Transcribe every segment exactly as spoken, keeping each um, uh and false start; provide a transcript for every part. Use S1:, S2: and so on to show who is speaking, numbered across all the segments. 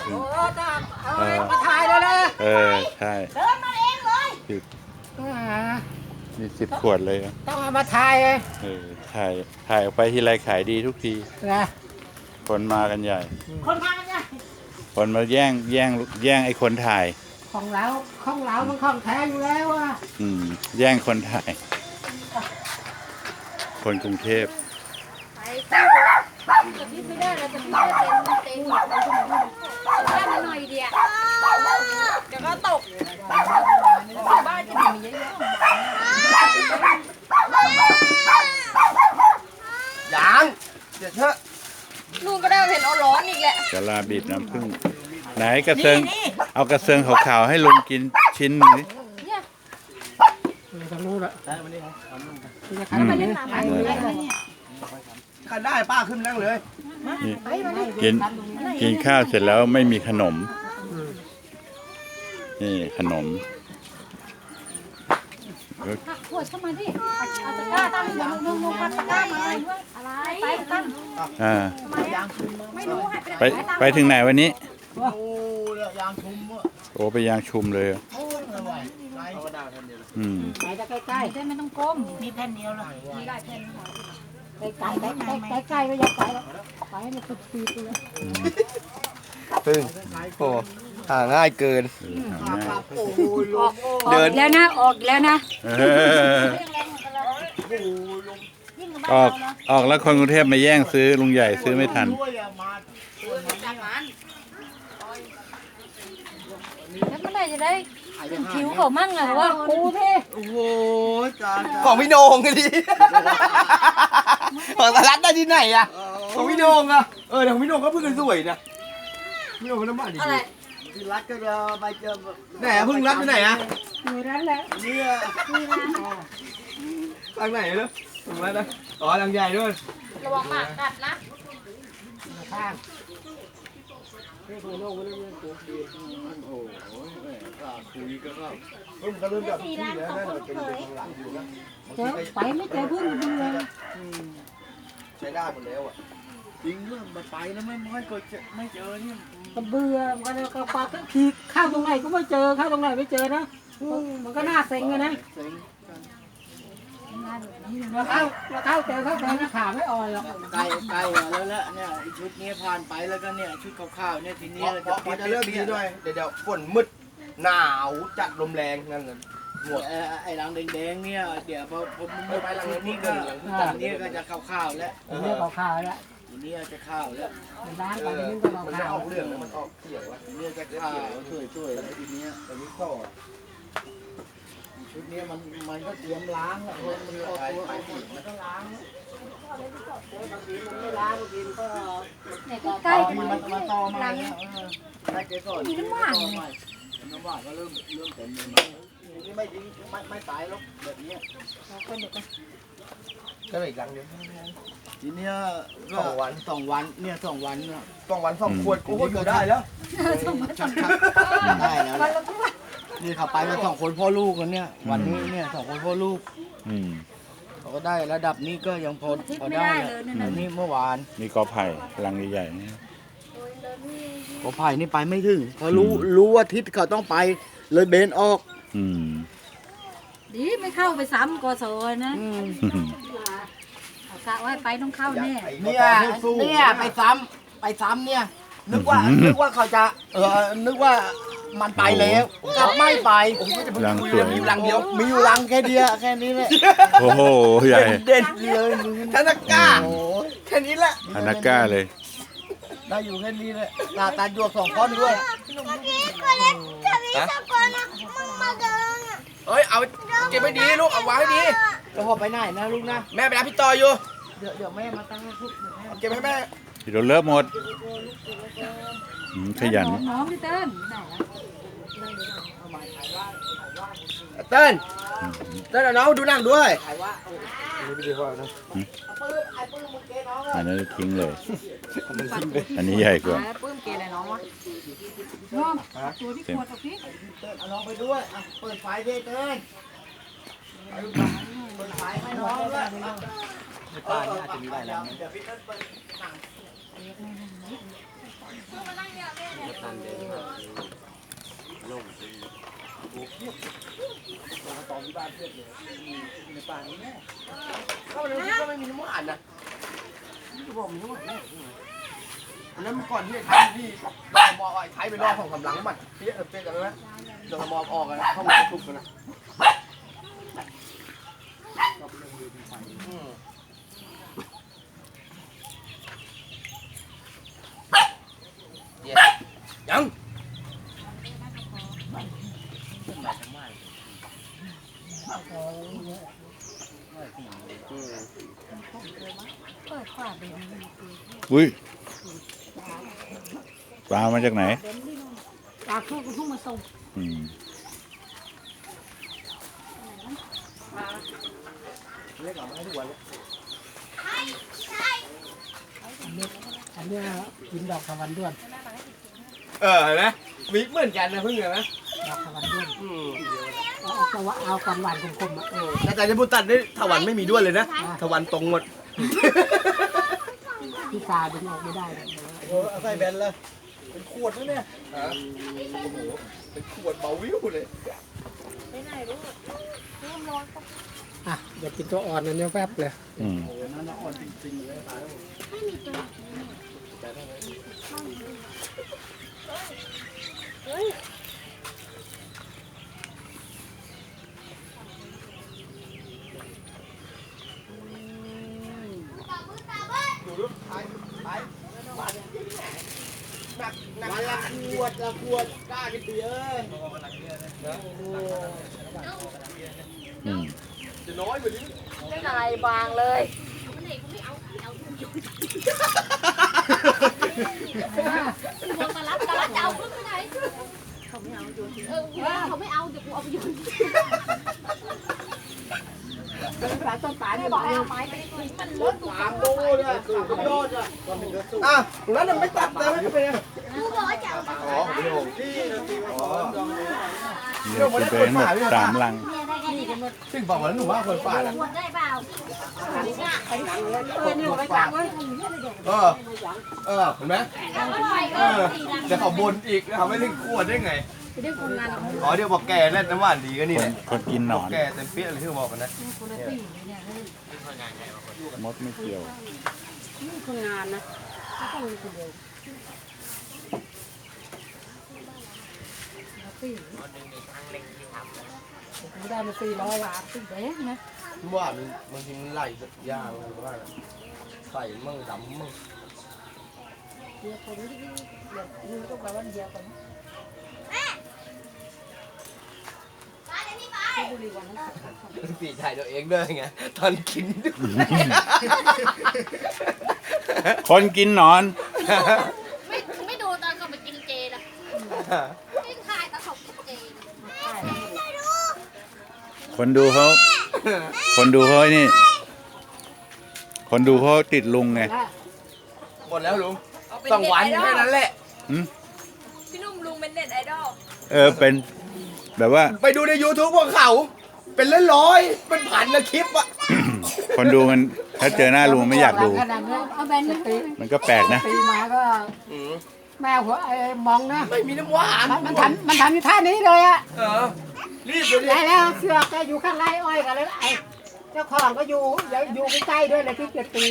S1: พึ่ง
S2: โอ้ตาเอามาถ่ายเลยเลย
S1: เออใช่เดินมาเองเลยสิบมีสิบขวดเลยอ่ะ
S2: ต้องเอามาถ่ายเลย
S1: เออถ่ายถ่ายออกไปทีไรขายดีทุกที
S2: นะ
S1: คนมากันใหญ่
S2: คนมาเนี่ย
S1: คนมาแย่งแย่งแย่งไอ้คนถ่าย
S2: ของเราของเรามันของแท้อยู่แล้วอ่ะ
S1: อืมแย่งคนถ่าย คนกรุงเทพ
S3: จะพิดไม่ได้เราจะพิดได้เต็มเต็มได้มาหน่อยเดียวเดี๋ยวก็ตกบ้านจะมีเยอะๆ
S4: ยังเดี๋ยวเถอะ
S3: ลุงก็ได้เห็นเอาร้อนอีกแหละ
S1: กะลาบีบน้ำผึ้งไหนกระเซิงเอากระเซิงขาวๆให้ลุงกินชิ้นหนึงดิ
S3: เนี่ย
S2: ต้องรู้ละ
S4: ได้มาดิครับ
S2: จะขายไปเล่นน้ำไปเลย
S4: ใครได้ป้าขึ้นนั่งเลย
S1: นี่กินกินข้าวเสร็จแล้วไม่มีขนม นี่ขนม
S3: ผักขวดเข้ามาดิเอาตะกร้าตั้งลงลงลงตะกร้ามาด้วยอะไรไปตั้ง
S1: อ่า
S3: ไม่รู้ให้
S1: ไปไปถึงไหนวันนี้
S4: โอ้ยางชุมอ่ะ
S1: โอ้ไปยางชุมเลยอ่ะ
S4: โอ้ยไม่ไหวไรก็ได้ท่านเดียว
S1: อืม
S2: ไปจะใกล้
S3: เส้นไม่ต้องก้ม
S2: ๆมีแผ่นเดียวเลย
S3: มีหลายแผ่นค่ะ
S2: ใกล้ๆใกล้ๆใกล้ๆก็อย่าไปแล้วไปให้มันสุดปีตัว
S4: พึ่งโอ้หาง่ายเกิน
S1: เออหาง่าย
S4: โอ้ยลง
S3: เดินแล้วนะออกแล้วนะ
S1: เออออกออกแล้วคนกรุงเทพมาแย่งซื้อลุงใหญ่ซื้อไม่ทัน
S3: แล้วเมื่อไหร่จะได้ถึงคิวเขามั่งอะว่ากูเท่
S4: โอ้โหจ้าของพี่โหน่งกันดิของสารัตได้ที่ไหนอะของพี่โหน่งอะเออแต่ของพี่โหน่งก็เพิ่งสวยนะพี่โหน่งก็น้ำมันดีพี่รัตก็จะไปเจอไหนอะเพิ่งรัตไปไหนอะ
S2: อยู่นั้นแหละ
S4: เนี่ยทางไหนเนอะถึงแล้วนะอ๋อทางใหญ่ด้วย
S3: ระวังหมากัดนะ
S2: ข้าง
S4: คุยก็ก็เพิ่งก็เริ่มจากที่แล้วนะเราเป็นทางหลังอยู่นะ
S2: เจอไปไม่เจอเพื่อนเบื่อ
S4: ใช้ได้หมดแล้วอ่ะจริงเรื่องมาไปแล้วไม่ไม่เคยเจอไม่เจอเนี่ย
S2: ก็เบื่อมันก็ปากก็ขี่ข้าวตรงไหนก็ไม่เจอข้าวตรงไหนไม่เจอนะมันก็น่าเซ็งเลยนะ
S4: เซ็ง
S2: เราเข้าเราเข้าเจอเข้าเจอนะขาไม่อ่อนหรอก
S5: ใกล้ใกล้แล้วแหละเนี่ยชุดนี้ผ่านไปแล้วก็เนี่ยชุดขาวๆเนี่ยทีนี้
S4: เพราะเพราะจะเริ่มดีด้วยเดี๋ยวเดี๋ยวฝนมืดหนาวจัดลมแรงนั่นเลยหมด
S5: เอ่อไอ้รังแดงๆเนี่ยเดี๋ยวพอผมหมดชุดนี้ก็ชุดนี้ก็จะขาวๆแล้ว
S2: เรื่องขาวๆแล้ว
S5: ทีนี้จะขาวแล้ว
S2: ร้าน
S4: เอ
S2: ไป
S4: อ
S2: นี่ก็
S4: มัน
S2: ขาว
S4: ออกเรื่องแล้วมันออกเสียงวะ
S5: ทีนี้จะขาวสวยๆแล้วทีนี้
S4: แต่นี้ต่อ
S5: ชุดนี้มันมันก็เตรียมล้างแล้วมันก็ตัวมันก็ล้าง
S2: ไม่ล้างกินก็
S3: เนี่ยใกล้ๆ
S5: มัน
S3: มัน
S5: มันต่อมา
S3: ลัง
S5: เนี่ยใช้เกสร
S3: มีน้ำหวาน
S5: น้ำหวานก็เริ่มเริ่มเต็มเลยนี่ไม่ทิ้งไม่ไม่ตายหรอกแบบนี้
S4: ก็เลยอีกหลังเดียว
S5: ทีเนี้ยก็
S4: สองวัน
S5: สองวันเนี่ยสองวันน่ะ
S4: สองวันสองขวดกูก็อยู่ได้แล้ว
S5: ชักชักได้แล้วแหละนี่เขาไปมาสองคนพ่อลูกกันเนี่ย วันนี้เนี่ยสองคนพ่อลูก
S1: อืม
S5: เขาก็ได้ระดับนี้ก็ยังพอพอได้อะอันนี้เมื่อวาน
S1: นี่กอไผ่ลังใหญ่ๆนี่
S5: กอไผ่นี่ไปไม่ถึงเขารู้รู้ว่าทิศเขาต้องไปเลยเบนออก
S1: อืม
S3: ดีไม่เข้าไปซ้ำกศนะ
S5: อืม
S3: เอากะว่าไปต้องเข้าแน่
S5: เนี่ยเนี่ยไปซ้ำไปซ้ำเนี่ย นึกว่านึกว่าเขาจะเออนึกว่ามันไปแล้วกลับไม่ไป
S1: ลังสวย
S5: มีอยู่รังเดียวมีอยู่รังแค่เดียวแค่นี้แหละ
S1: โอ้โหใหญ่
S5: เด่นเลย
S4: ธนาก้า
S5: โอ้ย
S4: แค่นี้แหละ
S1: ฮานาก้าเลย
S5: ได้อยู่แค่นี้แหละตาตาดวกสองคนด้วย
S4: เอ้ยเอาเก็บไว้ดีลูกเอาไว้ให้ดี
S5: แล้วพอไปไหนนะลูกนะ
S4: แม่ไปรับพี่ต่ออยู่
S5: เดี๋ยวเดี๋ยวแม่มาตั้งให้ลูก
S4: เอาเก็บให้แม่
S1: ที่เราเลิกหมดอืมขยัน
S3: น้องพี่เติ้ลไหนละ
S4: เติ้ลเติ้ลเอาน้องดูหนังด้วย
S1: อันนั้นทิ้งเลย อันนี้ใหญ่กว่า
S3: ปื้มเกณฑ์น้องวะน้องตัวที่ขวดกับพี่
S5: เอาน้องไปด้วยอ่ะเปิดไฟด้วยเต้ยเปิดไฟให้น้องด้วย
S4: ในป่านี่อาจจะมีหลายหลัง
S5: เดี๋ยวพี่เต้ยเปิดหนัง
S4: ต
S5: ก็เลยก็ไม่มีน้ำหวานนะนี่ก็บอกมีน้ำหวานแน่อันนั้นเมื่อก่อนที่ไอ้ที่ดอกมอไอ้ไทยไปรอบของกำลังมันเปี้ยเปี้ยกันไหมดอกมอออกกันเข้ามาทุกกันนะยัง
S1: อุ้ยปลามาจากไหน
S2: ปลาคู่ก็ทุ่งมาส่ง
S1: อืม
S5: เรียกเรามาให้ทุกวันเลย
S2: อันเนี้ยกินดอกทวันด้วน
S4: เออเห็นไหมมีเหมือนกันนะเพิ่งเห็นไหม
S2: ดอกทวันด้วน
S4: อืม
S2: เอาเอาเอาเอากันหวานคมๆอ่ะ
S4: แต่แต่จะพูดตัดนี่ถวันไม่มีด้วยเลยนะถวันตรงหมด
S2: ที่ตาดึงออกไม่ได้เลย
S4: โอ้เอาใส่แบนเลยเป็นขวดนะเนี่ยฮะโอ้โหเป็นขวดเบาวิวเลย
S2: อ่ะเดี๋ยวกินตัวอ่อนอันเนี้ยแฟบเลย
S1: อืม
S5: หนักหนักละขวดละขวดกล้ากินเบียร์
S1: อืม
S5: จะน้อยกว่านี้
S3: ไม่นายบางเลยมองตาลับตาลับจะเอาขึ้นไปไหนเขาไม่เอาโยนเออเขาไม่เอาเดี๋ยวกูเอาไปโยน
S2: เป็นปลาต้นปลา
S3: ไม่
S2: เนี่ย
S3: บอกให้เอาไม้ไปทิ้งมันล้นตัว
S5: สามโลเนี่ยสามโลอ่ะอ่ะแล้วมันไม่ตัดเลยไม่เป็นไร
S3: กูบอกให้จะเอาไป
S4: อ๋อพี่โหงที่อ๋อ
S1: นี่กินไปทั้งหมดสามลัง
S3: เนี่ยได้แค่นี้กัน
S5: ซึ่งบอกว่าหนูว่าคนป่าอ่ะ
S3: หมดได้เปล่า
S2: เออเนี่ยไปกลางไว้
S5: เออเออเห็นไหม
S3: แล้วก็ไป
S5: เอ
S3: ก็
S5: อ
S3: สี่ลัง
S5: เดี๋ยวเขาบนอีกเขาไม่ถึงขวดได้ไง
S3: ไปได้คนงาน
S5: อ๋อเดี๋ยวบอกแกเล่นน้ำหวานดีก็นี่
S1: ค
S5: แห
S1: น
S5: ละ
S1: คนกินหนอน
S5: แกเต็มเปี้ยเลยที่บอกกันนะ
S1: มดไม่เกี่ยว
S2: นี่คนงานนะไม่ต้องมีคนเดียวไม่ได้มาสี่ร้อยบาทสี่แบงค์นะ
S5: ว่ามันบางทีมันไหลยากเลยว่าใส่มั่งดำมั่ง
S2: เดี๋ยวคนนี้เดี๋ยวมึงต้องไปวันเดียวกันบุรีวันนั้น
S5: ปีถ่ายตัวเองด้วยไงตอนกินด้วย
S1: คนกินหนอน
S3: ไม่ไม่ดูตอนเขาไปกินเจนะไม่ถ่ายตอนเขากินเจ
S1: คนดูเขา คนดูเขาไอ้นี่ คนดูเขาติดลุงไง
S5: หมดแล้วลุงสองวันแค่นั้นแหละ
S1: หืม
S3: พี่นุ่มลุงเป็นเน็ตไอดอล
S1: เออเป็นแบบว่า
S5: ไปดูใน YouTube พวกเขา เป็นร้อยๆเป็นพันนะคลิปอะ
S1: คนดูมันถ้าเจอหน้าลุงไม่อยากดู
S2: เอาแบนไปตี
S1: มันก็แปลกนะ
S2: ตีมาก็แม่หัวไอ้มองนะ
S5: ไม่มีน้ำหวาน
S2: มันทำมันทำอยู่ท่านี้เลยอะ
S5: เออรีบไปดิ
S2: ได้แล้วเสือกก็อยู่ข้างไร่อ้อยกันเลยไอ้เจ้าของก็อยู่อยู่ใกล้ๆด้วยเลยที่เจ็ดปี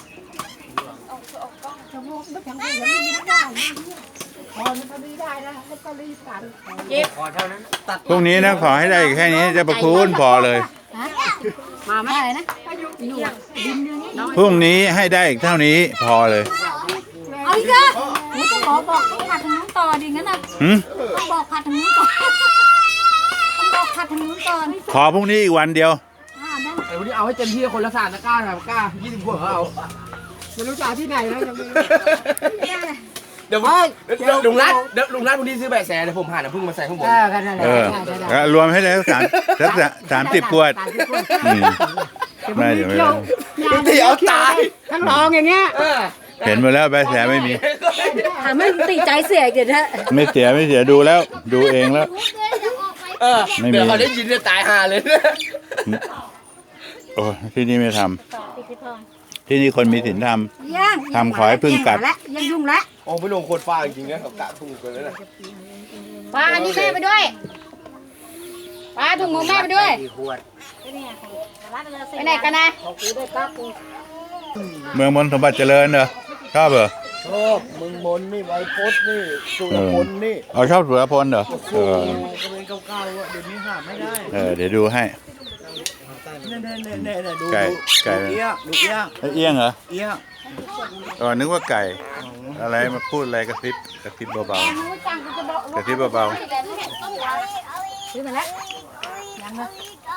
S2: จะพูดไม่ถึงพูดยังไม่ได้พอมันก็ไม่ได้นะแล้วก็รีบกัน
S5: ขอเท่านั้นตัด
S1: พรุ่งนี้นะขอให้ได้แค่นี้จะประคุณพอเลย
S2: มาไหมอะไรนะหนูดินเรื่องนี้
S1: พรุ่งนี้ให้ได้อีกเท่านี้พอเลย
S3: เอาอีกแล้วขอบอกต้องผัดทางนู้นต่อดิงั้นนะ
S1: หืม
S3: ต้องบอกผัดทางนู้นก่อนต้องบอกผัดทางนู้นก่อน
S1: ขอพรุ่งนี้อีกวันเดียว
S3: อ่าได้
S5: ไอ้วันนี้เอาให้เต็มที่คนละสามตะกร้าสามตะกร้ายี่สิบขวดเขาเอา
S2: ไม่รู้จะเอาที่ไหนแล้วยังไม่
S5: เดี๋ยวเดี๋ยวลุงรัดเดี๋ยวลุงรัดวันนี้ซื้อแบะแสเดี๋ยวผมหาน้ำผึ้งมาใส่ข้างบน
S2: เออกันนั่นแหละ
S1: เออ
S2: ใช่ใช่
S1: แล้วรวมให้ได้สามสักสามสิบขวด
S2: สามสิบขวด
S1: อืม
S2: ไม่
S1: เดี๋ยวไม่
S2: เกี่ยว
S5: ตีเอาตาย
S2: ทั้งรองอย่างเงี้ย
S5: เออ
S1: เห็นหมดแล้วใบแสไม่มี
S3: ทำให้ตีใจเสียเดี๋ยวนะ
S1: ไม่เสียไม่เสียดูแล้ว ดูเองแล้ว
S5: เออ
S1: ไม่มี
S5: เดี๋ยวเขาได้ยินจะตายห่าเลยนะ
S1: โอ้ที่นี่ไม่ทำที่นี่คนมีศีลธรรม
S3: ย่าง
S1: ทำขอให้พึ่งกัด
S3: แล้วยังยุ่งแล้ว
S5: โอ้พี่โหน่งโคตรฟ้าจริงๆนะเขากะถูกกันเลยนะ
S3: ปลาอันนี้แม่ไปด้วยปลาถุงมือแม่ไปด้วย
S2: ขวด
S3: ไปไหนกันนะ
S2: เขากูได้กักกู
S1: เมืองมนต์สมบัติเจริญเหรอชอบเหรอ
S4: ชอบมึงบนนี่ไวโพสนี่สุรพลนี่
S1: เอาชอบสุรพลเหรอเออ
S4: ก็เป็นเก่าๆอ่ะเดี๋ยวนี้หาไม่ได้
S1: เออเดี๋ยวดูให้
S4: เนี่ยเนี่ยเนี่ยเนี่ยดู
S1: ไก่
S4: ดู
S1: ไก่
S4: ดูเอี้ยงดูเอี้ยง
S1: ไอ้เอี้ยงเหรอ
S4: เอี้ยง
S1: เออนึกว่าไก่ อะไรมาพูดอะไรกระซิบกระซิบเบา
S3: แกรู้จังกูจะบอก
S1: กระซิบเบา
S3: ซื้อมาแล้วยังเลย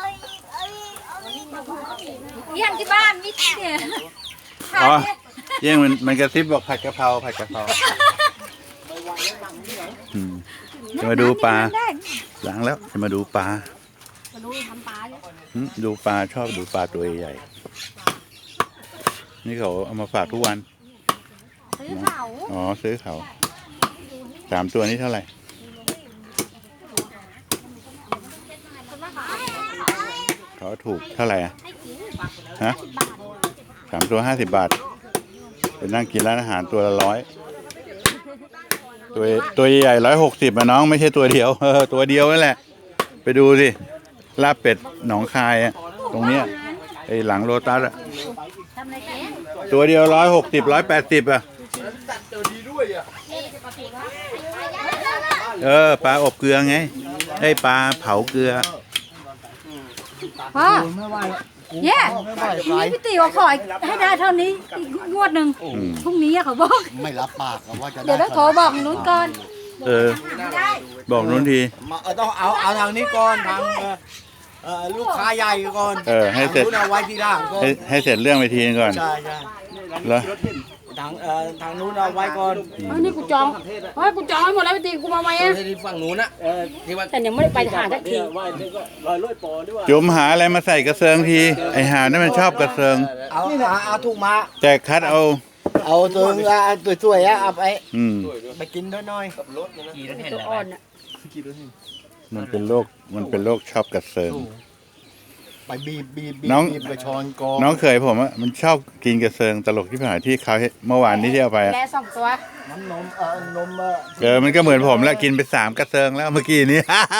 S3: เยี่ยงที่บ้านมิดเนี่ย
S1: ๆอ๋อเอี้ยงมันมันกระซิบบอกผัดกะเพราผัดกะเพราอืมจะมาดูปลาหลังแล้วจะมาดูปลา
S3: มาดูทำปลาเนี่ย
S1: อืมดูปลาชอบดูปลาตัวใหญ่ๆนี่เขาเอามาฝากทุกวัน
S3: ซื้อเขา
S1: อ๋อซื้อเขาสามตัวนี้เท่าไหร่เขาถูกเท่าไหร่อะฮะสามตัวห้าสิบบาทไปนั่งกินร้านอาหารตัวละร้อยตัวตัวใหญ่ร้อยหกสิบอะน้องไม่ใช่ตัวเดียวเออตัวเดียวนั่นแหละไปดูสิลาบเป็ดหนองคายอะตรงเนี้ยไอ้หลังโลตัสอะ
S3: ทำอะไรแก
S1: ตัวเดียวร้อยหกสิบร้อยแปดสิบอะ
S5: จัดเจอดีด้วยอ่ะ
S1: เออปลาอบเกลือไงไอ้ปลาเผาเกลือ
S3: พ่อ
S4: ไม่ไหวแล้ว
S3: เนี่ย
S4: ไม่ไหว
S3: ทีนี้พี่ติ๋วขอให้ได้เท่านี้อีกงวดหนึ่ง
S1: อืม
S3: พรุ่งนี้อะเขาบอก
S4: ไม่รับปากว่าจะ
S3: เดี๋ยวต้องโทรบอกนู้นก่อน
S1: เออ บอกนู้นที
S4: มาเออต้องเอาเอาทางนี้ก่อนทางเอ่อเอ่อลูกค้าใหญ่ก่อน
S1: เออให้เสร็จ
S4: ทางนู้นเอาไว้ที่ล่างก่อน
S1: ให้ให้เสร็จเรื่องไปทีนึงก่อน
S4: ใช่ใช่
S1: แล้ว
S4: ทางเอ่อทางนู้นเอาไว้ก่อน
S3: เฮ้ยนี่กูจองเฮ้ยกูจองให้หมดแล้วพี่ติ๋วกูมาไหมอะ
S5: ที่ฝั่งนู้นนะที่ว่า
S3: แต่ยังไม่ได้ไปหาสักที
S1: จุ๋มหาอะไรมาใส่กระเซิงที ไอหานั่นมันชอบกระเซิง
S4: เอาเอาเอาถูกมา
S1: แต่คัดเอา
S4: เอาตัวอ่ะสวยๆอ่ะเอาไป
S1: อืม
S4: ไปกินด้วยหน่อย
S3: ตัวอ่อนอะ
S1: มันเป็นโรคมันเป็นโรคชอบกระเซิง
S4: ไปบีบบีบบีบ
S1: น้อง
S4: บีบไปช้อนกอง
S1: น้องเคยผมอะมันชอบกินกระเซิงตลกที่ผ่านที่เขาให้เมื่อวานนี้ที่เอาไปอะ
S3: แกสองตัว
S4: น้ำนมเอ่อนมเอ่อ
S1: เออมันก็เหมือนผมแล้วกินไปสามกระเซิงแล้วเมื่อกี้นี้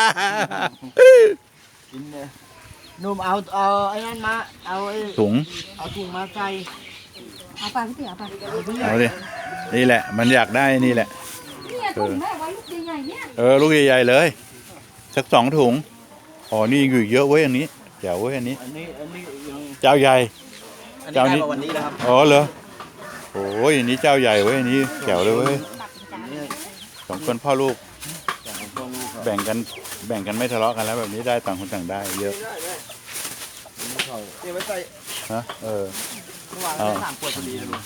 S4: กินเนี่ยนมเอาเอาไอ้นั่นมาเอาไอ้
S1: ถุง
S4: เอาถุงมาใส่
S3: เอาไปพี่ติ๋วเอาไป
S1: เอาดินี่แหละ มันอยากได้นี่แหละ
S3: เนี่ยถุงแม่ไว้ลูกใหญ่ๆเนี่ย
S1: เออลูกใหญ่ๆเลยสักสองถุงอ๋อนี่อยู่อีกเยอะเว้ยอันนี้เจ๋วเว้ยอันนี้
S4: อันนี้อันนี้ยัง
S1: เจ้าใหญ่
S5: อัน
S1: เจ้า
S5: นี้
S1: นี้
S5: ได้มาวันนี้นะครับ
S1: อ๋อเหรอโอ้ยอันนี้เจ้าใหญ่เว้ยอันนี้แจ๋วเลยเว้ยสองคนพ่อลูก แบ่งกันแบ่งกันไม่ทะเลาะกันแล้วแบบนี้ได้ต่างคนต่างได้เยอะ
S5: นี่ไว้ใส่
S1: ฮะเออ
S5: เมื่อวานได้สามขวดพอดีเลยลุง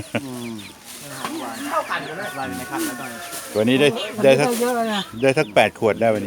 S5: เข้ากันกันนะลายในคันแล้วตอนนี้
S1: วันนี้ได้ได้สัก
S2: เยอะเลยนะ
S1: ได้สักแปดขวดได้วันนี้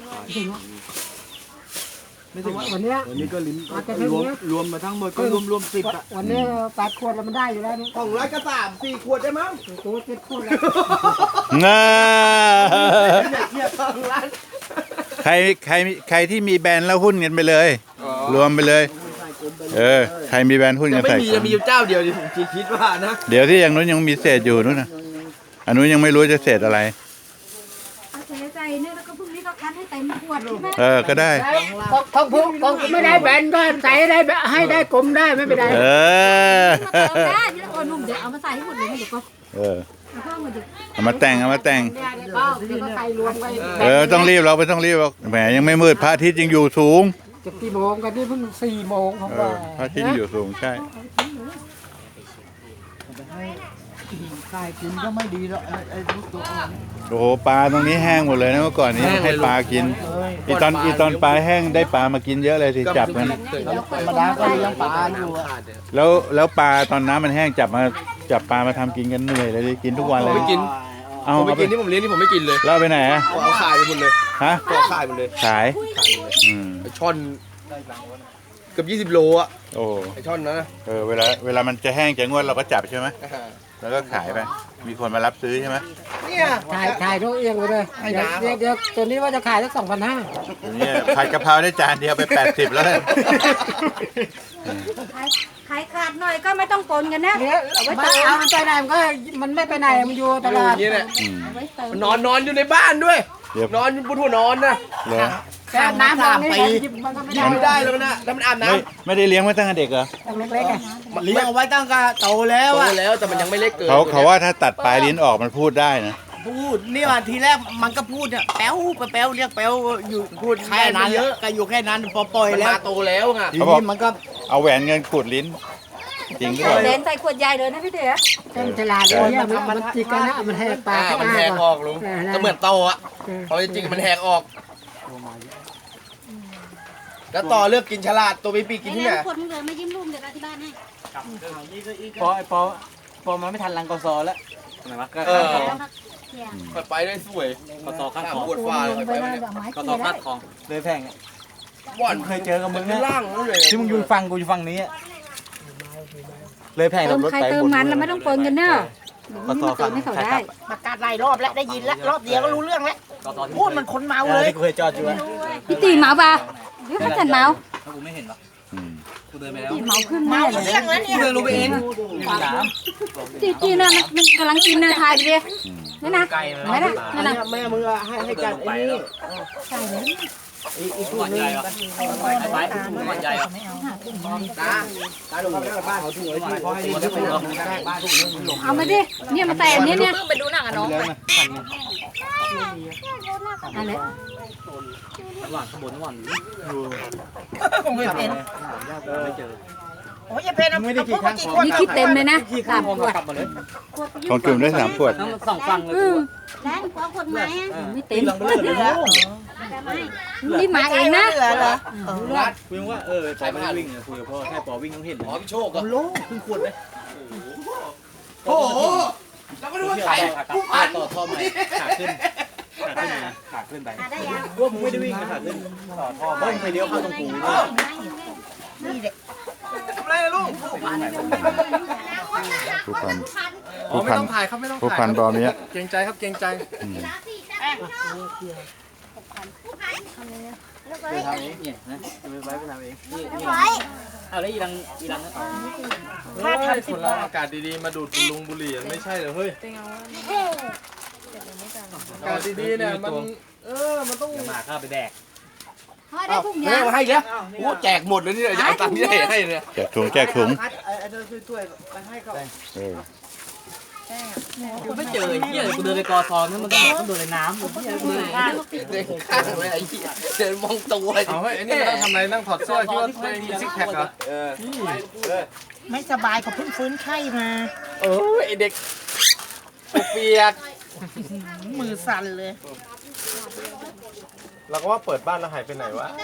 S2: ไม่ถึงวันเนี้ย
S4: วันนี้ก็ลิ้น
S2: อาจจะถึง
S4: รวม
S2: เนี้ย
S4: รวมมาทั้งหมดก็รวมรวมสิบอ่ะ
S2: วันนี้แปดขวดแล้วมันได้อยู่แล้วนี่
S5: ของร้อยก็สามสี่ขวดได้มั้ง
S2: ตัวเจ็ดขวดแล้ว
S1: น่า
S5: เทียบของร้าน
S1: ใครใครใครที่มีแบรนด์แล้วหุ้นกันไปเลย รวมไปเลย เออใครมีแบรนด์หุ้น
S5: ยั
S1: กั
S5: ง
S1: น
S5: ไม่
S1: ใส่
S5: มียังมีอยู่เจ้าเดียวดิผมคิดว่านะ
S1: เดี๋ยวที่อย่างนู้นยังมีเศษอยู่นู้นนะอันนู้นยังไม่รู้จะเศษอะไร
S3: เอาใส่ใส่เนี่ยแล้วก็พรุ่งนี้ก็คั้นให้เต็มขวดใช่ไหม
S1: เออก็ได้
S2: ของผมของไม่ได้แบนก็ใส่ได้ให้ได้กลมได้ไม่เป็นไร
S1: เออ
S3: มาเติมได้เดี๋ยวโอ้หนุ่มเดี๋ยวเอามาใส่ให้หมดเลยเดี๋ยวก็
S1: เออ
S3: เอาเพิ่มมาดิ
S1: เอามาแต่งเอามาแต่ง
S2: เนี่ยเดี๋ยวก็เดี๋ยวก็ใส่รวมไป
S1: เออต้องรีบเราไม่ต้องรีบหรอกแหมยังไม่มืดพระอาทิตย์ยังอยู่สูง
S2: จะกี่โมงกันนี่เพิ่งสี่โมงผม
S1: เอ
S2: ว่า
S1: อพระอาทิตย์ยังอยู่สูงใช่
S4: ใครกินก็ไม่ดีหรอกไอ้ไอ้ทุกตัวอ่อน
S1: โอ้โหปลาตรงนี้แห้งหมดเลยนะเมื่อก่อนนี้ให้ปลากินอีตอนอีตอนปลาแห้งได้ปลามากินเยอะเลยสิจับมัน
S4: ธรรมดาก็เลี้ยงปลาอยู่อะ
S1: แล้วแล้วปลาตอนน้ำมันแห้งจับมาจับปลามาทำกินกันเหนื่อยเลยดิกินทุกวันเลย
S5: ผมไม่กิน
S1: เอา
S5: ผมไม่
S1: เอาไป
S5: กินที่ผมเลี้ยงที่ผมไม่กินเลย
S1: แล้วเอาไปไหนอะ
S5: เอาขายไปหมดเลย
S1: ฮะ
S5: เอาขายหมดเลย
S1: ขายอืม
S5: ไอช่อนเกือบยี่สิบโลอ่ะ
S1: โอ้
S5: ไอช่อนนั้นนะ
S1: เออเวลาเวลามันจะแห้งจะงวดเราก็จับใช่ไหมแล้วก็ขายไปมีคนมารับซื้อใช่ไหม
S5: เนี่ย
S2: ถ่ายถ่ายทุกเอียงไปเลย
S5: ไอ้
S2: เดี๋ยว
S5: น้ำ
S2: เดี๋ยวเดี๋ยวตัวนี้ว่าจะขายสักสองพันห้า
S1: เนี่ยผัดกะเพราได้จานเดียวไปแปดสิบแล้วเลย
S3: ขายขาดหน่อยก็ไม่ต้องปนกันนะ
S2: เนี่ยมันเอามันไปไหนมันก็มันไม่ไปไหนมันอยู่ตลาด
S5: อย่างนี้แหละ
S1: อืม
S3: เอาไว้เติม
S5: มันนอนนอนอยู่ในบ้านด้วย
S1: เรียบ
S5: นอนบนหัวนอนนะ
S1: เลย
S2: แค่น้ำลงนี่มันก็ไม่
S5: กิ
S2: ได้
S5: นไม่ได้แล้วนะแล้วมันอาบน้
S1: ไม่ไม่ได้เลี้ยงไว้ตั้งแต่เด็กเหรอ
S2: ต้องเล็กๆไง
S5: ำ
S4: เลี้ยงเอาไว้ตั้งแต่โตแล้ว
S5: โต
S4: อ่ะ
S5: แล้วแต่มันยังไม่เล็กเกิน
S1: เขาเขาว่าถ้าตัดปลายลิ้นออกมันพูดได้นะ
S4: พูดนี่ว่าทีแรกมันก็พูดเนี่ยแป๊วไปแป๊วเรียกแป๊วอยู่พูดแค่นั้นเยอะก็อยู่แค่นั้นพอปล่อย
S5: มัน
S4: แล้ว
S5: มาโตแล้วไง
S4: ทีนี้มันก็
S1: เอาแหวนเงินขูดลิ้น จริงหรือเปล่า
S3: เลนใส่ขวดใหญ่เลยนะพี่เตี๋ย
S2: เต็มตลาดเลยเนี่ยมันจิกกันนะมันแหกปาก
S5: อ่ามันแหกออกลุงก็เหมือนโตอ่ะพอจริงๆมันแหกออก แล้วต่อเลือกกินฉลาดตัวปีปีกินที่ไหน
S3: ขวดมึงเลยมายิ้มลุงเดี๋ยวอธิบายให้
S4: พอไอ้ปอพอมันไม่ทันรังกอซอแล้วไหนวะก็
S5: เออ
S3: เที่ยง
S5: ไปไปได้สวย
S4: กอซอข้าง
S5: ข้าม
S4: คลอง
S5: ปวดฟ้าเลย
S3: ลง
S5: ไป
S3: ไป
S5: ไป
S3: เลย
S5: เนี่ย
S3: แบบไม้
S4: กอ
S3: เกี่
S4: ซอย
S3: ได้
S4: ข้างคลองเลยแพง
S5: บ่อน
S4: เคยเจอกับมึง
S5: ข้า
S4: นะ
S5: งล่างนั่นเลย
S4: ที่มึงอยู่ฟังกูอยู่ฝั่งนี้เลยแพง
S3: เติมใครเติมมันแล้วไม่ต้องปนกันเนอะนี่มาเติมให้เขาได้
S6: ประกาศหลายรอบแล้วได้ยินแล้วรอบเดียวก็รู้เรื่องแล้วพูดมันคนเมา
S4: เอ
S6: เล
S4: อย ที่กูเคยจอดอยู่อะ
S3: พี่ตีเมาป่ะหรือเขาจัดเมา
S4: ถ้ากูไม่เห็นหรอก
S1: อืม
S4: กูเดินไปแล้ว
S3: ตีเมาขึ้นแน่
S6: เมา
S3: เลย
S6: เรื่องแล้วเนี่ย
S4: กูเดินรู้ไปเองมีน้
S3: จีจีน่ะมันมันกำลังกินเนื้อทายไปดิ
S1: อืม
S3: นี่นะไม่นะนั่นนะ
S4: ำแม่มึงให้ให้จัดไอ้นี่
S3: ใช่เลย
S4: อีกคนนึงไอ้ไปไอ้ไปใหญ่อะ
S5: ตาตาดูมาบ้านเขาถุงไว้ที่เขาให้ที่ถุงบ้านถุงนึงหลง
S3: เอามาดิเนี่ยมาแต่อันนี้เนี่ย
S6: เพิ่งไปดูหนังกับน้องไป
S3: อะไร
S4: หวานขบวนหวาน
S6: ผมไม่เห็น
S4: ไม่เจอ
S6: โอ้ยอย่าเพนเอาเอาพวกมากี่คน
S3: นี่คิดเต็มเลยนะ
S4: ที่
S3: สา
S4: ข้าม
S3: ม
S4: มอง
S3: ขวด
S4: กลับมาเลย
S1: ของกลุ่มได้สามขวด
S4: ทั้งสองฝั่งเลย
S3: อืม
S6: แรงกว่าคนไหม
S3: ไม่เต็ม
S4: ลองไปเลยเหรอ
S3: นี่มาเองนะ
S6: เหลือเหรอ
S5: รัด
S4: คุยว่าเออใช้มันวิ่งคุยกับพ่อแค่ปอวิ่งต้องเห็น
S5: อ๋อพี่โชคก็
S4: โล่ขึ้นขวดเลย
S5: โอ้โหแล้วก็ดูว่าใครผู้พัน
S4: ต่อท่อใหม่ขาขึ้นขาขึ้นนะขาขึ้นไป
S6: ได้ยัง
S4: พวกมึงไม่ได้วิ่งขาขึ้นต่อท่อเบิ้งไปเลี้ยวเข้าตรงกู
S6: นี่เด็ก
S5: ทำไรนะลูก
S1: ผู้พัน
S5: อ๋อ
S1: ผู้
S5: ไม่
S1: พัน
S5: ต้องถ่ายครับไม่ต้อง
S1: ผู้
S5: ถ่าย
S1: พันบอมเนี้ย
S5: เกรงใจครับเกรงใจ
S1: อืม
S4: ไปทำเองเนี่ยนะไปไปทำเองนี่นี่เอาแล้วอีรังอีรัง
S5: ถ้าทำคนเราอากาศดีๆมาดูดลุงบุหรี่ไม่ใช่เหรอเฮ้ยอากาศดีๆเนี่ยมันเออมันต้อง
S4: มาข้าไปแดก
S3: พอได้ทุกอ
S5: เฮ้
S3: ย่าย ง
S5: มาให้แล้วโอ้แจกหมดเลยเนี่ยจะเอาตังค์ที่ไหนให้เนี่ย
S1: แจกถุงแจกถุง
S4: ไอ้เธอช่วยไปให้เขา
S1: เออ
S4: กูไม่เจอไอ้เหี้ยกูเดินไปกอซอนนั่นมันต้องต้องโดนในน้ำกูเหี้ยกูเดินข้าง
S5: เดินข้างไว้ไอ้เหี้ยเดินมองตัวเอาเฮ้ยไอ้นี่เราทำอะไรนั่งถอดเสื้อคิดว่าตัวเองมีซิกแพคเหรอเออ
S6: ไม่สบายเขาเพิ่งฟื้นไข้มา
S5: เออไอเด็กเปียก
S6: มือสั่นเลย
S5: เราก็ว่าเปิดบ้านแล้วหายไปไหนวะ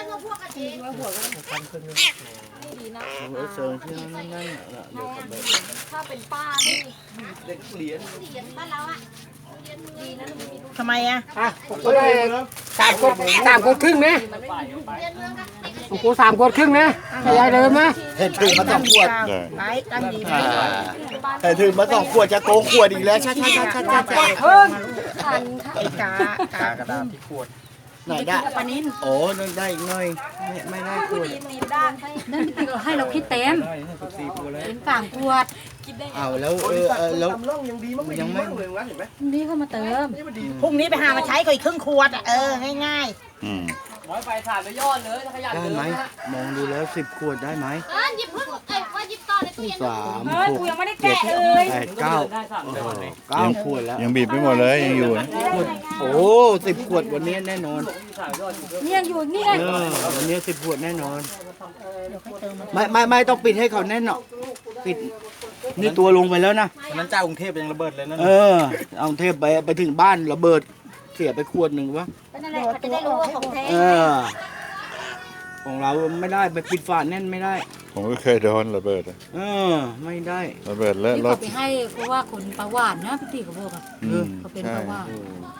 S4: เซิร์ฟที่นั่นนั่น
S3: ถ้าเป็นป้านี่
S5: เด็กเหรียญ
S3: เหรียญบ้านเราอ่ะดีนะมันมีลูก
S6: ทำไมอ่ะ
S2: สามขวดสามขวดครึ่งนะของกูสามขวดครึ่งนะให้ยายเดิมนะ
S4: เห็นถึงมาสองขวด
S6: ไปตั้งดีไป
S4: เห็นถึงมาสองขวดจะโกงขวดอีกแล้วชัดชัดชัดชัดชัด
S2: เพิ่ง
S3: ทันค่ะ
S6: ไอ้กากาก
S5: ระดาษที่ขวด
S4: ไหนได้
S3: ปานิน
S4: โอ้นั่นได้อีกหน่อยไม่ไม่ได้ขวด
S3: ตีด้านนั่นพี่ให้เราคิดเต็มเป็นสามขวด
S4: เอาแล้วเออเออแล้ว
S5: ทำร่องยังดีมั้งไม่ดีมั้งเลยวะเห็นไหม
S3: นี่เข้ามาเติม
S5: นี่มันดี
S6: พรุ่งนี้ไปหามาใช้เขาอีกครึ่งขวดอ่ะเออง่าย
S1: อืม
S4: น้อยไปสาดไปยอดเลยถ้าขยัน
S7: ได้ไหมมองดูแล้วสิบขวดได้ไหม
S3: เออหยิบเพิ่งเอ้ยว่าหยิบต่อในตู้เย็น
S7: สาม
S3: เฮ้ย
S7: หก
S3: กูยังไม่ได้
S7: เจ็ด
S3: แกะเลย
S7: แปดเก้า
S4: ได้สามเดือนเลย
S7: เก้าขวดแล้ว
S1: ยังบีบไม่หมดเลยยังอยู่นะ
S7: ขวดโอ้สิบขวดวันนี้แน่นอน
S3: นี่ยังอยู่นี่ไง
S7: เออวันนี้สิบขวดแน่นอน ไม่ไม่ไม่ต้องปิดให้เขาแน่นหรอกปิดนี่ตัวลงไปแล้วนะ
S4: วันนั้นเจ้ากรุงเทพยังระเบิดเลยนั่น
S7: เออ เอาเทพไปไปถึงบ้านระเบิดเสียไปขวดหนึ่งวะ
S3: เป็นอะไรเขาจะได้รู้ว่าของแท้
S7: เออ ของเราไม่ได้ไปปิดฝาแน่นไม่ได้
S1: ผมก็เคยโดนระเบิดอะ
S7: เออ ไม่ได้
S1: ระเบิดแล้ว
S3: ที่
S1: ร
S3: เขา
S1: ถ
S3: ไปให้เพราะว่าคนประหวานนะพี่ตีเขาบอกอะ
S1: อืม
S3: เขาเป็น
S1: ใช่
S3: ประหวาน
S7: โอ้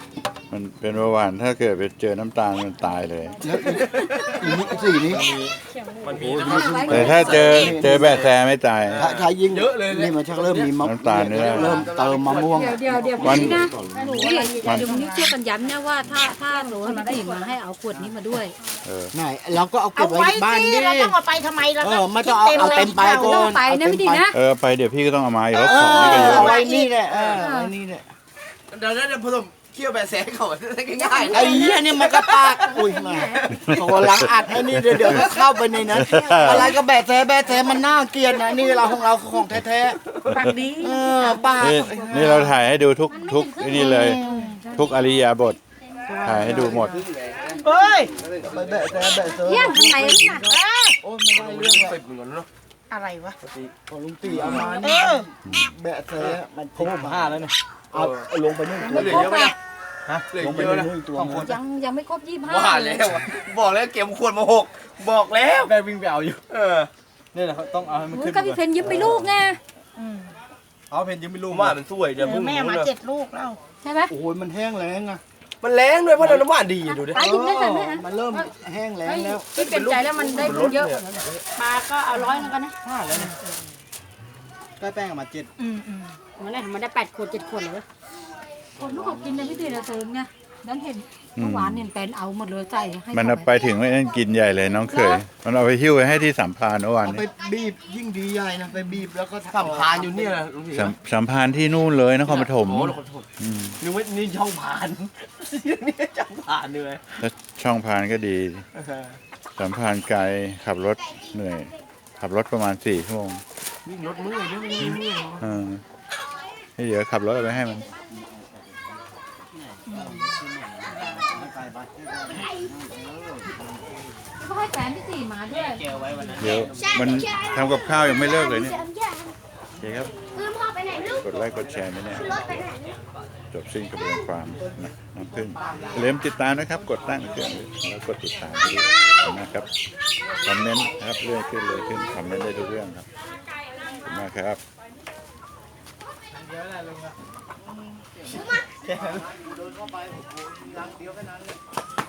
S1: มันเป็นเบาหวานถ้าเกิดไปเจอน้ำตาลมันตายเลย
S7: แล้วอีกนิดสี่นี้
S1: แต่ถ้าเจอเจอแบะแซไม่ตาย
S7: ถ้าถ้ายิ่งเยอะเลยนี่มันชักเริ่มมีมะ
S1: น้ำตาลเนี่ย
S7: เริ่มเติมมะม่วง
S3: เดี๋ยวเดี๋ยวเดี๋ยว
S1: วัน
S3: นี้นะหนูนี่เดี๋ยวนี้ช่วยกันย้ำนะว่าถ้าถ้าหนูให้พี่มาให้เอาขวดนี้มาด้วย
S1: เออ
S7: ไหนเราก็เอาเก็
S6: เอา
S7: บไว้
S6: ไว้
S7: บ้าน
S6: สิ
S7: ดิ
S6: เราต้องเอาไปทำไมเรา
S7: เอ
S6: ก็
S7: อไม่ต้องเอาเอาเต็มไปก่อน
S3: ไปนะพี่ดินะ
S1: เออไปเดี๋ยวพี่ก็ต้องเอามาอีกแล้ว
S7: เอ
S1: ของ
S7: อ
S1: นี่ก็เยอะ
S7: เอาไว้นี่แหละเออเอาไว้นี่แหละ
S5: เดี๋ยวเดี๋ยวผสมเคี่ยวแบบแสงเขาได้ง่ายๆ
S7: ไอ้เหี้ยนี่มันก็ปากอุ้ยมาโอ้หลังอัดไอ้นี่เดี๋ยวเดี๋ยวก็เข้าไปในนั้นอะไรก็แบะแท้แบะแท้มันน่าเกลียดนะนี่เราของเราของแท้
S6: ปากดี
S7: ๆเออปาก
S1: นี่นี่เราถ่ายให้ดูทุกทุกไอ้นี่เลย ทุกอริยาบทถ่ายให้ดูหมด
S7: เฮ้ยไปแบะแท้แบะเซอร์
S3: เยี่ยงทำไมน่ะ
S7: โอ้ยไม่ได้เรื่อง
S5: สิบเหมือนกันเนาะ
S6: อะไรวะ
S7: ของลุงตีเอามา
S6: เอ
S7: นี่
S6: อ
S7: แบะแท้มันครบห้าแล้วเนี่ยเอาเอาลงไปนึ่ง
S5: เห
S7: ตัว
S5: ลือเยอะไหมนะฮะเหลือ
S7: ลงไป
S5: เยอะนะ
S7: นึ่งตัวนะ
S3: ยังยังไม่ครบยี่สิบห้า
S5: ว่าแล้วอะบอกแล้วเก็บขวดมาหกบอกแล้ว
S4: แม่วิ่งไปเอาอยู่
S5: เออ
S4: นี่แหละเขาต้องเอาให้มัน
S3: หนู
S4: ขึ้น
S3: กับพี่เพนยิ้มไปลูกไง
S4: เอาเพนยังไม่
S5: ผ
S4: รู้
S5: มว่ามันสวยเดี๋ยว
S6: เอ
S5: เพิ่
S6: อง แม่
S5: รู้
S6: มา
S5: เลย
S6: เจ็ดลูกแล้ว
S3: ใช่ไหม
S7: โอ้ยมันแห้งแล้งอ่ะ
S5: มันแรงด้วยเพราะเราน้ำหวานดีอะดูดิ
S3: ไปหยิบได้แต่ไม่อ่ะ
S7: มันเริ่มแห้งแล้งแล้ว
S3: พี่เปลี่ยนใจแล้วมันได้บุญเยอะปลาก็เอาร้อยนึงกันนะ
S7: ห้าแล้วเนี่ยได้แป้งออกมาเจ็ด
S6: อืมอืม
S3: มันได้มันได้แปดขวดเจ็ดขวดเลยคนลูกเขากินในพี่เดือนเติมไงดันเห็นเมื่อวานเนี่ยเป็นเอาหมดเลยใส่ให้
S1: มันเอาไปถึงไม่นั่นกินใหญ่เลยน้องเคย มันเอาไปหิ้วไปให้ที่สัมพานเมื่อวาน
S7: เอาไป
S1: นี้
S7: บีบยิ่งดีใหญ่นะไปบีบแล้วก็
S5: สัมพานอยู่เนี่ยนะลุงศรี
S1: สัมสัมพานที่นู่นเลยนครปฐม
S5: โอ้นครปฐม
S1: อืม
S5: นึกว่านี่ช่องพานนี่ช่องพานด้วย
S1: แล้วช่องพานก็ดี สัมพานไกลขับรถเหนื่อย ขับรถประมาณสี่ชั่วโมง
S5: วิ่งรถเมื่อยด้วยวิ่งเมื่อย
S1: เออให้เดี๋ยวขับรถเอาไปให้มัน
S3: เขาให้แฟนพี่สี่มาด้วย
S1: เดี๋ยวมันทำกับข้าวยังไม่เลิกเลยเนี่ยโอเคครับ
S3: คือพ่อไปไหนลูก
S1: กดไลค์กดแชร์ด้วยเนี่ย
S3: รถไปไหน
S1: จบสิ้นกระบวนความนะน้ำพึ่งอย่าลืมติดตามนะครับ กดตั้งเครื่องแล้วกดติดตามด้วยนะครับ คอมเมนต์นะครับเรื่อยขึ้นเลยขึ้น คอมเมนต์ได้ทุกเรื่องครับ ขอบคุณมากครับ
S7: โดนเข้าไปผมโดนรังเดียวแค่นั้นเลย